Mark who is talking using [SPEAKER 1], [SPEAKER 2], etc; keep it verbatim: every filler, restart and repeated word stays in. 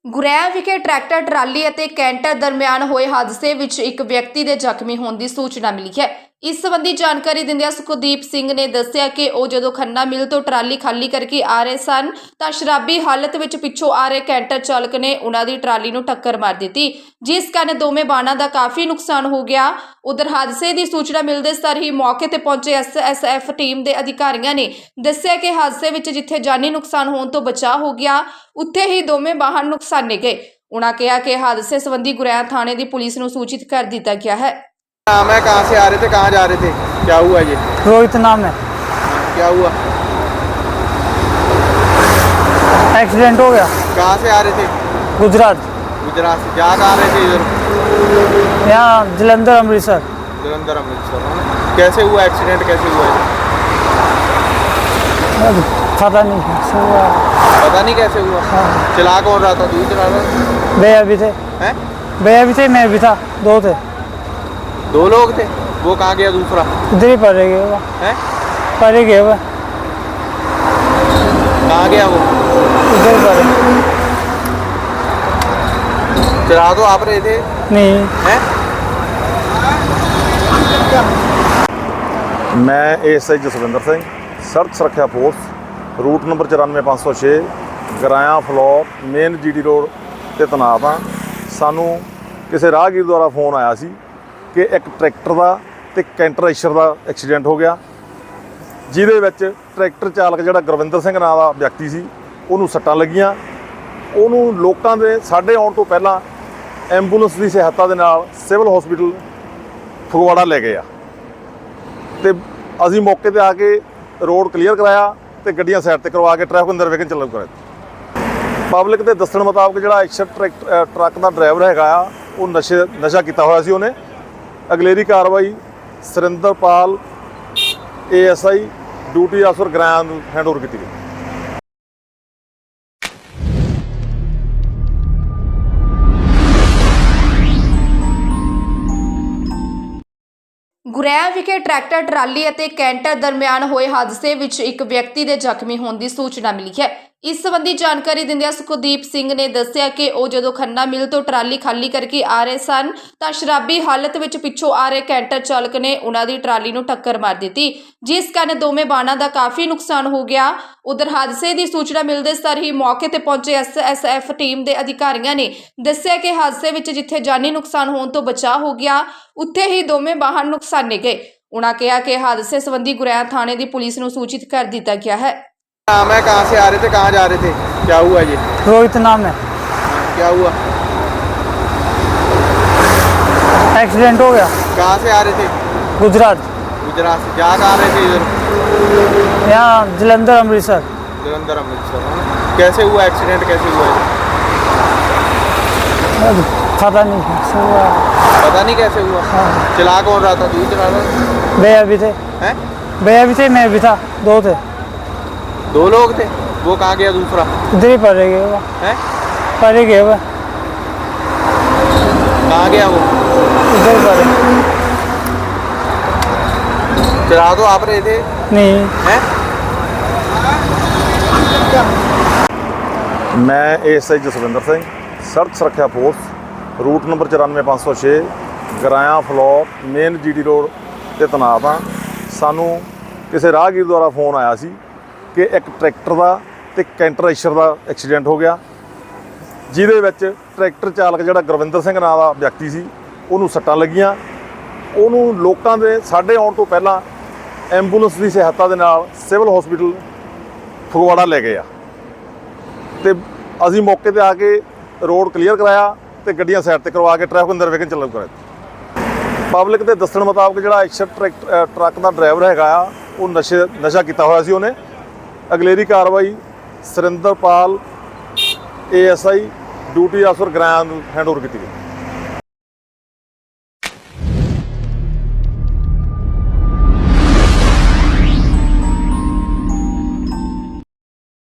[SPEAKER 1] ਗੁਰੈਆ ਵਿਖੇ tractor trolley ਅਤੇ canter ਦਰਮਿਆਨ ਹੋਏ ਹਾਦਸੇ ਵਿੱਚ ਇੱਕ ਵਿਅਕਤੀ ਦੇ ਜ਼ਖਮੀ ਹੋਣ ਦੀ ਸੂਚਨਾ ਮਿਲੀ ਹੈ। ਇਸ ਸੰਬੰਧੀ ਜਾਣਕਾਰੀ ਦਿੰਦਿਆਂ ਸੁਖਦੀਪ ਸਿੰਘ ਨੇ ਦੱਸਿਆ ਕਿ ਉਹ ਜਦੋਂ ਖੰਨਾ ਮਿਲ ਤੋਂ ਟਰਾਲੀ ਖਾਲੀ ਕਰਕੇ ਆ ਰਹੇ ਸਨ ਤਾਂ ਸ਼ਰਾਬੀ ਹਾਲਤ ਵਿੱਚ ਪਿੱਛੋਂ ਆ ਰਹੇ ਕੈਂਟਰ ਚਾਲਕ ਨੇ ਉਹਨਾਂ ਦੀ ਟਰਾਲੀ ਨੂੰ ਟੱਕਰ ਮਾਰ ਦਿੱਤੀ, ਜਿਸ ਕਾਰਨ ਦੋਵੇਂ ਵਾਹਨਾਂ ਦਾ ਕਾਫੀ ਨੁਕਸਾਨ ਹੋ ਗਿਆ। ਉਧਰ ਹਾਦਸੇ ਦੀ ਸੂਚਨਾ ਮਿਲਦੇ ਸਾਰ ਹੀ ਮੌਕੇ ਤੇ ਪਹੁੰਚੇ ਐਸ ਐਸ ਐਫ ਟੀਮ ਦੇ ਅਧਿਕਾਰੀਆਂ ਨੇ ਦੱਸਿਆ ਕਿ ਹਾਦਸੇ ਵਿੱਚ ਜਿੱਥੇ ਜਾਨੀ ਨੁਕਸਾਨ ਹੋਣ ਤੋਂ ਬਚਾਅ ਹੋ ਗਿਆ, ਉੱਥੇ ਹੀ ਦੋਵੇਂ ਵਾਹਨ ਨੁਕਸਾਨੇ ਗਏ। उन्होंने कहा कि हादसे संबंधी गुरैया थाने की पुलिस को सूचित कर दिया गया है।
[SPEAKER 2] नाम है, कहाँ से आ रहे थे, कहाँ जा रहे थे, क्या हुआ? ये
[SPEAKER 3] रोहित नाम है।
[SPEAKER 2] क्या हुआ?
[SPEAKER 3] एक्सीडेंट हो गया।
[SPEAKER 2] कहाँ से आ रहे थे?
[SPEAKER 3] गुजरात।
[SPEAKER 2] गुजरात से जा कहाँ रहे थे? इधर
[SPEAKER 3] यहाँ जलंधर अमृतसर।
[SPEAKER 2] जलंधर अमृतसर। कैसे हुआ एक्सीडेंट, कैसे हुआ?
[SPEAKER 3] पता नहीं कैसे हुआ।
[SPEAKER 2] पता नहीं कैसे हुआ।
[SPEAKER 3] हाँ।
[SPEAKER 2] चला कौन रहा था? तू चला रहा था?
[SPEAKER 3] भैया भी थे।
[SPEAKER 2] हैं?
[SPEAKER 3] भैया भी थे, मैं भी था, दो थे।
[SPEAKER 2] दो लोग थे। वो कहाँ गया दूसरा?
[SPEAKER 3] इधर ही पड़े गए वो।
[SPEAKER 2] हैं?
[SPEAKER 3] पड़े गए वो।
[SPEAKER 2] कहाँ गया वो?
[SPEAKER 3] इधर ही पड़े।
[SPEAKER 2] चला तो आप रहे थे?
[SPEAKER 3] नहीं।
[SPEAKER 2] हैं?
[SPEAKER 4] मैं एस आई जसविंदर सिंह, सड़क सुरक्षा फोर्स, रूट नंबर चौरानवे पाँच सौ छे, Garaya floor main G D road ਤੇ ਤੈਨਾਤ ਹਾਂ। ਸਾਨੂੰ ਕਿਸੇ ਰਾਹਗੀਰ ਦੁਆਰਾ ਫੋਨ ਆਇਆ ਸੀ ਕਿ ਇੱਕ ਟਰੈਕਟਰ ਦਾ ਤੇ ਕੈਂਟਰ ਐਸ਼ਰ ਦਾ ਐਕਸੀਡੈਂਟ ਹੋ ਗਿਆ, ਜਿਹਦੇ ਵਿੱਚ ਟਰੈਕਟਰ ਚਾਲਕ ਜਿਹੜਾ ਗੁਰਵਿੰਦਰ ਸਿੰਘ ਨਾਂ ਦਾ ਵਿਅਕਤੀ ਸੀ, ਉਹਨੂੰ ਸੱਟਾਂ ਲੱਗੀਆਂ। ਉਹਨੂੰ ਲੋਕਾਂ ਦੇ ਸਾਡੇ ਆਉਣ ਤੋਂ ਪਹਿਲਾਂ ਐਂਬੂਲੈਂਸ ਦੀ ਸਹਾਇਤਾ ਦੇ ਨਾਲ ਸਿਵਲ ਹਸਪੀਟਲ ਫਗਵਾੜਾ ਲੈ ਗਏ ਆ ਤੇ ਅਸੀਂ ਮੌਕੇ ਤੇ ਆ ਕੇ ਰੋਡ ਕਲੀਅਰ ਕਰਾਇਆ ਤੇ ਗੱਡੀਆਂ ਸਾਈਡ ਤੇ ਕਰਵਾ ਕੇ ਟ੍ਰੈਫਿਕ ਅੰਦਰ ਵੇਖਣ ਚੱਲੂ ਕਰਾਇਆ। ਪਬਲਿਕ ਦੇ ਦੱਸਣ ਮੁਤਾਬਕ ਜਿਹੜਾ ਐਕਸ਼ਨ ਟਰੈਕ ਟਰੱਕ ਦਾ ਡਰਾਈਵਰ ਹੈਗਾ ਆ, ਉਹ ਨਸ਼ੇ ਨਸ਼ਾ ਕੀਤਾ ਹੋਇਆ ਸੀ। ਉਹਨੇ ਅਗਲੇਰੀ ਕਾਰਵਾਈ Surinderpal A S I duty ਅਫਸਰ ਗਰਾਇਆ ਨੂੰ ਹੈਂਡਓਵਰ ਕੀਤੀ ਗਈ।
[SPEAKER 1] ਗੁਰੈਆ ਵਿਖੇ ਟਰੈਕਟਰ ਟਰਾਲੀ ਅਤੇ ਕੈਂਟਰ ਦਰਮਿਆਨ ਹੋਏ ਹਾਦਸੇ ਵਿੱਚ ਇੱਕ ਵਿਅਕਤੀ ਦੇ ਜ਼ਖਮੀ ਹੋਣ ਦੀ ਸੂਚਨਾ ਮਿਲੀ ਹੈ। ਇਸ ਸੰਬੰਧੀ ਜਾਣਕਾਰੀ ਦਿੰਦਿਆਂ ਸੁਖਦੀਪ ਸਿੰਘ ਨੇ ਦੱਸਿਆ ਕਿ ਉਹ ਜਦੋਂ ਖੰਨਾ ਮਿਲ ਤੋਂ ਟਰਾਲੀ ਖਾਲੀ ਕਰਕੇ ਆ ਰਹੇ ਸਨ ਤਾਂ ਸ਼ਰਾਬੀ ਹਾਲਤ ਵਿੱਚ ਪਿੱਛੋਂ ਆ ਰਹੇ ਕੈਂਟਰ ਚਾਲਕ ਨੇ ਉਹਨਾਂ ਦੀ ਟਰਾਲੀ ਨੂੰ ਟੱਕਰ ਮਾਰ ਦਿੱਤੀ, ਜਿਸ ਕਾਰਨ ਦੋਵੇਂ ਵਾਹਨਾਂ ਦਾ ਕਾਫੀ ਨੁਕਸਾਨ ਹੋ ਗਿਆ। ਉਧਰ ਹਾਦਸੇ ਦੀ ਸੂਚਨਾ ਮਿਲਦੇ ਸਾਰ ਹੀ ਮੌਕੇ ਤੇ ਪਹੁੰਚੇ ਐਸ ਐਸ ਐਫ ਟੀਮ ਦੇ ਅਧਿਕਾਰੀਆਂ ਨੇ ਦੱਸਿਆ ਕਿ ਹਾਦਸੇ ਵਿੱਚ ਜਿੱਥੇ ਜਾਨੀ ਨੁਕਸਾਨ ਹੋਣ ਤੋਂ ਬਚਾਅ ਹੋ ਗਿਆ, ਉੱਥੇ ਹੀ ਦੋਵੇਂ ਵਾਹਨ ਨੁਕਸਾਨੇ ਗਏ। उन्होंने कहा कि हादसे संबंधी गुरैया थाने की पुलिस को सूचित कर दिया गया है।
[SPEAKER 2] नाम है, कहाँ से आ रहे थे, कहाँ जा रहे थे, क्या हुआ? ये
[SPEAKER 3] रोहित नाम है।
[SPEAKER 2] क्या हुआ?
[SPEAKER 3] एक्सीडेंट हो गया।
[SPEAKER 2] कहाँ से आ रहे थे?
[SPEAKER 3] गुजरात।
[SPEAKER 2] गुजरात से जा कहाँ रहे थे? इधर
[SPEAKER 3] यहाँ जलंधर अमृतसर।
[SPEAKER 2] जलंधर अमृतसर। कैसे हुआ एक्सीडेंट, कैसे हुआ?
[SPEAKER 3] पता नहीं कैसे हुआ।
[SPEAKER 2] पता नहीं कैसे हुआ।
[SPEAKER 3] हाँ।
[SPEAKER 2] चला कौन रहा था? तू चला रहा था?
[SPEAKER 3] भैया भी थे।
[SPEAKER 2] हैं?
[SPEAKER 3] भैया भी थे, मैं भी था, दो थे।
[SPEAKER 2] दो लोग थे। वो कहाँ गया दूसरा?
[SPEAKER 3] इधर ही पड़े गए वो।
[SPEAKER 2] हैं?
[SPEAKER 3] पड़े गए वो।
[SPEAKER 2] कहाँ गया वो?
[SPEAKER 3] इधर ही पड़े।
[SPEAKER 2] चला तो आप रहे थे?
[SPEAKER 3] नहीं।
[SPEAKER 2] हैं?
[SPEAKER 4] मैं एस आई जसविंदर सिंह, सड़क सुरक्षा फोर्स, रूट नंबर चौरानवे पाँच सौ छे, Garaya floor main G D road ਤੇ ਤੈਨਾਤ ਹਾਂ। ਸਾਨੂੰ ਕਿਸੇ ਰਾਹਗੀਰ ਦੁਆਰਾ ਫੋਨ ਆਇਆ ਸੀ ਕਿ ਇੱਕ ਟਰੈਕਟਰ ਦਾ ਤੇ ਕੈਂਟਰ ਐਸ਼ਰ ਦਾ ਐਕਸੀਡੈਂਟ ਹੋ ਗਿਆ, ਜਿਹਦੇ ਵਿੱਚ ਟਰੈਕਟਰ ਚਾਲਕ ਜਿਹੜਾ ਗੁਰਵਿੰਦਰ ਸਿੰਘ ਨਾਂ ਦਾ ਵਿਅਕਤੀ ਸੀ, ਉਹਨੂੰ ਸੱਟਾਂ ਲੱਗੀਆਂ। ਉਹਨੂੰ ਲੋਕਾਂ ਦੇ ਸਾਡੇ ਆਉਣ ਤੋਂ ਪਹਿਲਾਂ ਐਂਬੂਲੈਂਸ ਦੀ ਸਹਾਇਤਾ ਦੇ ਨਾਲ ਸਿਵਲ ਹਸਪੀਟਲ ਫਗਵਾੜਾ ਲੈ ਗਏ ਆ ਤੇ ਅਸੀਂ ਮੌਕੇ ਤੇ ਆ ਕੇ ਰੋਡ ਕਲੀਅਰ ਕਰਾਇਆ ਤੇ ਗੱਡੀਆਂ ਸਾਈਡ ਤੇ ਕਰਵਾ ਕੇ ਟ੍ਰੈਫਿਕ ਅੰਦਰ ਵੇਖਣ ਚੱਲੂ ਕਰਾਇਆ। ਪਬਲਿਕ ਦੇ ਦੱਸਣ ਮੁਤਾਬਕ ਜਿਹੜਾ ਐਕਸ਼ਨ ਟਰੈਕ ਟਰੱਕ ਦਾ ਡਰਾਈਵਰ ਹੈਗਾ ਆ, ਉਹ ਨਸ਼ੇ ਨਸ਼ਾ ਕੀਤਾ ਹੋਇਆ ਸੀ। ਉਹਨੇ ਅਗਲੇਰੀ ਕਾਰਵਾਈ Surinderpal A S I duty ਅਫਸਰ ਗਰਾਇਆ ਨੂੰ ਹੈਂਡਓਵਰ ਕੀਤੀ ਗਈ।